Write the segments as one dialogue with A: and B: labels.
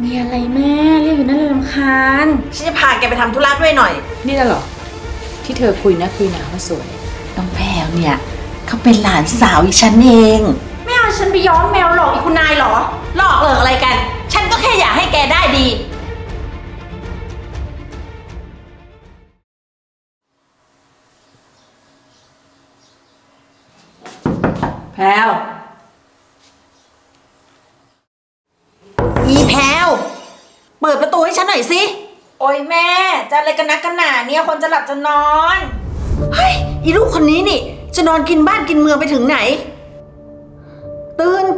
A: มีอะไรแม่เรียกอยู่นั่นเลยรำคาญ
B: ฉันจะพาแกไปทำธุระด้วยหน่อย
C: นี่น่ะเหรอที่เธอคุยนะคุยหนาว่าสวย
B: น้องแพรวเนี่ยเขาเป็นหลานสาวอีฉันเอง
A: ไม่เอาฉันไปย้อมแมวหลอกอีกคุณนายเหรอ
B: หลอกเหลิกอะไรกันฉันก็แค่อยากให้แกได้ดีแพรวอีแพรวเปิดประตูให้ฉันหน่อยสิ
A: โอ้ยแม่จะอะไรกันนักกันหนาเนี่ยคนจะหลับจะนอน
B: เฮ้ยอีลูกคนนี้นี่จะนอนกินบ้านกินเมืองไปถึงไหนตื่น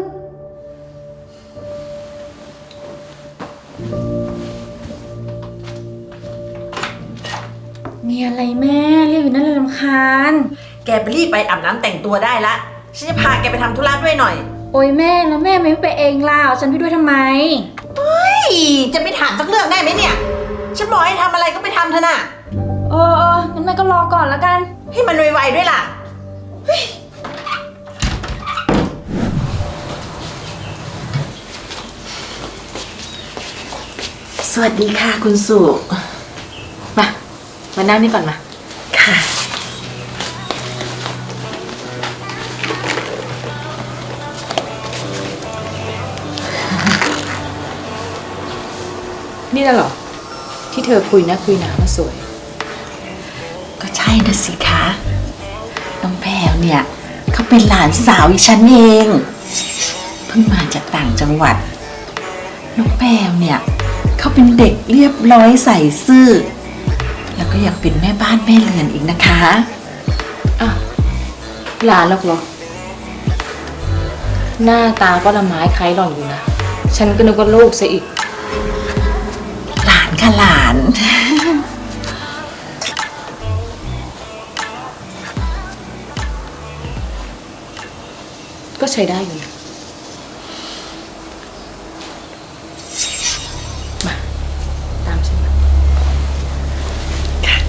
A: มีอะไรแม่เรียกอยู่นั่นเลยรำคาญ
B: แกไปรีบไปอาบน้ำแต่งตัวได้ละฉันจะพาแกไปทำธุระด้วยหน่อย
A: โอ้ยแม่แล้วแม่ไม่ไปเองล่ะฉันไปด้วยทำไม
B: เฮ้ยจะไปถามสักเรื่องได้ไหมเนี่ยฉันบอกให้ทำอะไรก็ไปทำเถอะน่ะ
A: งั้นแม่ก็รอก่อนแล้วกัน
B: ให้มันไวๆด้วยล่ะสวัสดีค่ะคุณสุ
C: มานั่งนี่ก่อนมา
B: ค่ะ
C: นี่น่ะเหรอที่เธอคุยนะคุยหนาว่าสวย
B: ก็ใช่นะสิคะน้องแพรวเนี่ยเขาเป็นหลานสาวอีฉันเองเพิ่งมาจากต่างจังหวัดน้องแพรวเนี่ยเขาเป็นเด็กเรียบร้อยใส่ซื่อแล้วก็ยังเป็นแม่บ้านแม่เรือนอีกนะคะ
C: อ่ะหลานหรอกเหรอหน้าตาก็ละไม้คล้ายหล่อนอยู่นะฉันก็นึกว่าลูกซะอีก
B: หลานค่ะหลาน
C: ก็ใช้ได้อยู่มาตามฉันมา
B: ค่ะ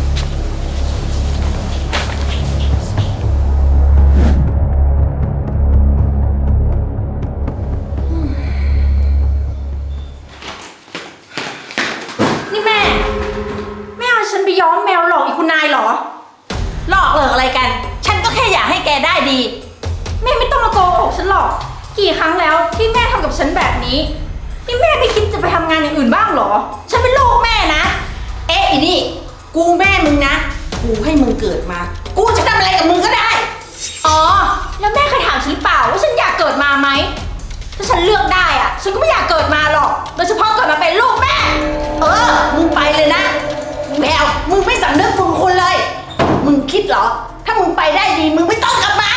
A: นี่แม่เอาฉันไปย้อมแมวหลอกอีกคุณนายเหรอ
B: หลอกเหลิกอะไรกันฉันก็แค่อยากให้แกได้ดี
A: แม่ไม่ต้องมาโกหกฉันหรอกกี่ครั้งแล้วที่แม่ทำกับฉันแบบนี้นี่แม่ไม่คิดจะไปทำงานอย่างอื่นบ้างเหรอฉันเป็นลูกแม่นะ
B: เอ๊ะอีนี่กูแม่มึงนะกูให้มึงเกิดมากูจะทำอะไรกับมึงก็ได้
A: อ๋อแล้วแม่เคยถามฉันหรือเปล่าว่าฉันอยากเกิดมาไหมถ้าฉันเลือกได้อะฉันก็ไม่อยากเกิดมาหรอกโดยเฉพาะเกิดมาเป็นลูกแม่
B: มึงไปเลยนะแมวมึงไม่สำนึกบุญคุณเลยมึงคิดเหรอถ้ามึงไปได้ดีมึงไม่ต้องกลับมา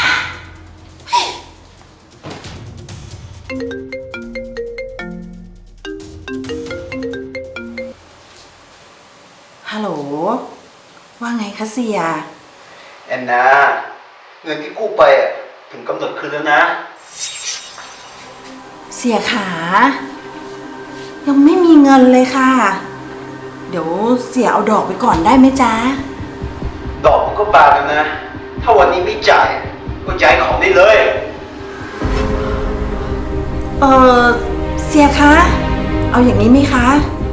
B: ฮัลโหลว่าไงคะเสีย
D: แอนนาเงินที่กู้ไปถึงกำหนดคืนแล้วนะ
B: เสียขายังไม่มีเงินเลยค่ะเดี๋ยวเสียเอาดอกไปก่อนได้ไหมจ๊ะ
D: ดอกมันก็บาทกันนะถ้าวันนี้ไม่จ่ายก็ย้ายของได้เลย
B: เสียคะเอาอย่างนี้ไหมคะ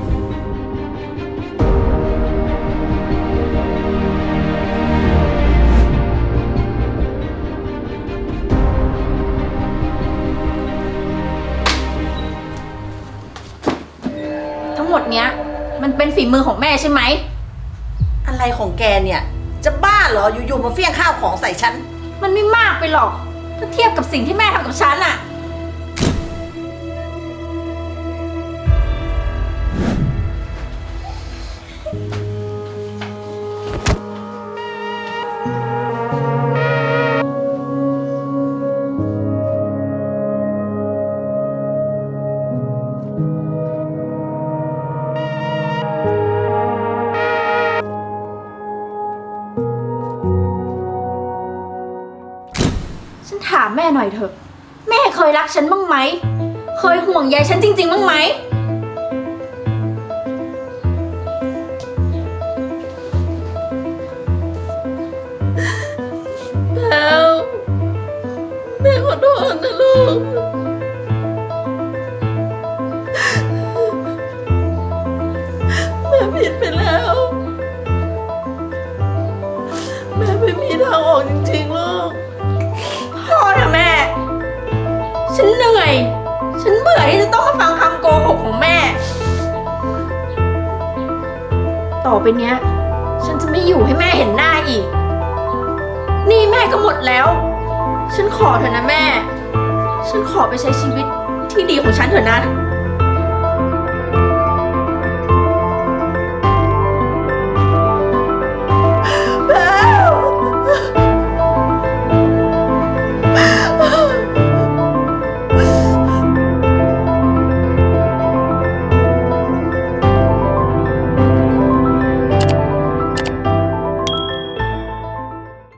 A: ทั้งหมดเนี้ยมันเป็นฝีมือของแม่ใช่ไหม
B: อะไรของแกเนี่ยจะบ้าเหรออยู่ๆมาเฟี้ยงข้าวของใส่ฉัน
A: มันไม่มากไปหรอกถ้าเทียบกับสิ่งที่แม่ทำกับฉันอะถามแม่หน่อยเถอะแม่เคยรักฉันบ้างไหมเคยห่วงใยฉันจริงๆบ้างไหม
B: แล้วแม่ขอโทษนะลูก
A: นื่อย ฉันเบื่อที่จะต้องมาฟังคำโกหกของแม่ ต่อไปเนี้ย ฉันจะไม่อยู่ให้แม่เห็นหน้าอีก นี่แม่ก็หมดแล้ว ฉันขอเถอะนะแม่ ฉันขอไปใช้ชีวิตที่ดีของฉันเถอะนะ